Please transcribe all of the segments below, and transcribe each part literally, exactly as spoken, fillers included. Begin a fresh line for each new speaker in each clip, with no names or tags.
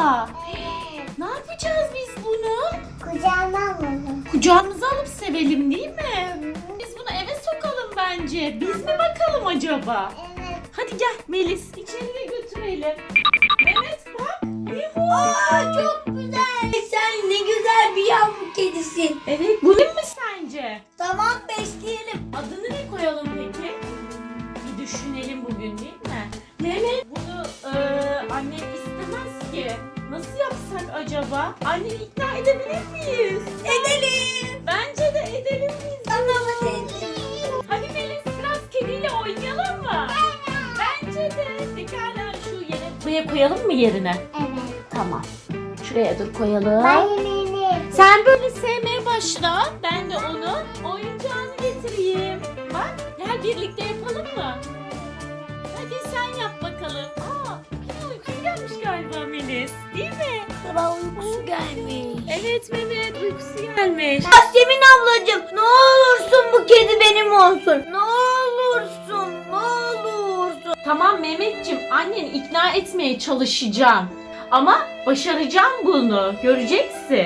acaba? Ne yapacağız biz bunu?
Kucağıma alalım.
Kucağımıza alıp sevelim değil mi? Biz bunu eve sokalım bence. Biz mi bakalım acaba?
Evet.
Hadi gel Melis, içeriye götürelim. Mehmet bak. Yuhu.
Aa, çok güzel. Sen ne güzel bir yavru kedisin.
Evet, bu ne mi sence?
Tamam, besleyelim.
Adını ne koyalım peki? Bir düşünelim bugün değil mi? Mehmet, bunu e, annem istemez ki. Nasıl yapsak acaba? Anneni ikna edebilir miyiz?
Edelim.
Bence de edelim biz.
Tamam, hadi edelim.
Hadi Melis biraz kediyle oynayalım mı? Bence de. Pekala şu yere. Buraya koyalım mı yerine?
Evet.
Tamam. Şuraya dur koyalım.
Ben yemeğini.
Sen böyle sevmeye başla. Ben de onun oyuncağını getireyim. Bak gel birlikte yapalım mı? Hadi sen yap bakalım. Aa, kedi uykusu gelmiş galiba Melis. Değil mi?
Baba uykusu gelmiş.
Evet Mehmet uykusu gelmiş.
Yasemin ablacığım, ne olursun bu kedi benim olsun. Ne olursun, ne olursun.
Tamam Mehmetciğim anneni ikna etmeye çalışacağım. Ama başaracağım bunu. Göreceksin.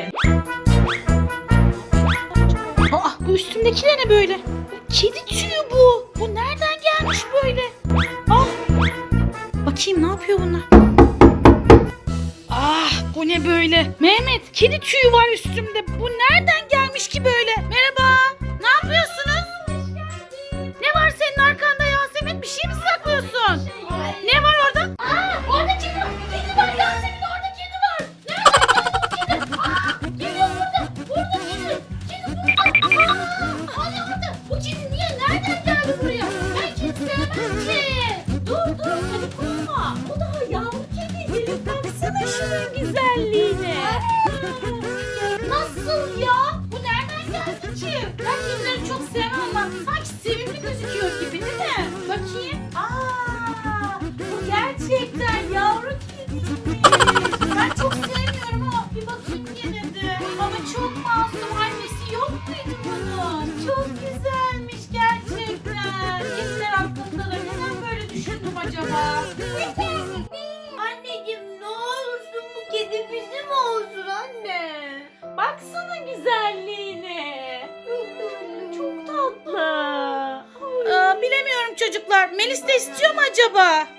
Aa, bu üstümdekiler ne böyle? Kedi tüyü bu. Bu nereden gelmiş böyle? Ah. Bakayım ne yapıyor bunlar? Ah bu ne böyle? Mehmet kedi tüyü var üstümde. Bu nereden gelmiş ki böyle? Merhaba. Ne yapıyorsunuz? Ne var senin arkanda Yasemin? Bir şey mi saklıyorsun? Ne var orada? Aa orada kedi var. Kedi var Yasemin orada kedi var. Nerede kedi? Aa kedi burada. Burada kedi. Kedi burada. Aa hani orada. Bu kedi niye? Nereden geldi buraya? Ben kedi sevmem ki. Dur dur hadi korkma. O daha yavru kedi. Gelip baksana şunun güzelliğine. Nasıl ya? Bu nereden geldi ki? Ben kedileri çok sevmem ama sanki sevimli gözüküyor gibi değil mi? Bakayım. Aa, bu gerçekten yavru kediymiş. Ben çok sevmiyorum ama bir bakayım yine de. Ama çok masum. Annesi yok muydu bunun? Çok güzelmiş gerçekten. Kediler hakkında da neden böyle düşündüm acaba?
Anneciğim, ne olursun bu kedi bizim olsun anne.
Baksana güzelliğine. Çok tatlı.
Aa, bilemiyorum çocuklar. Melis de istiyor mu acaba?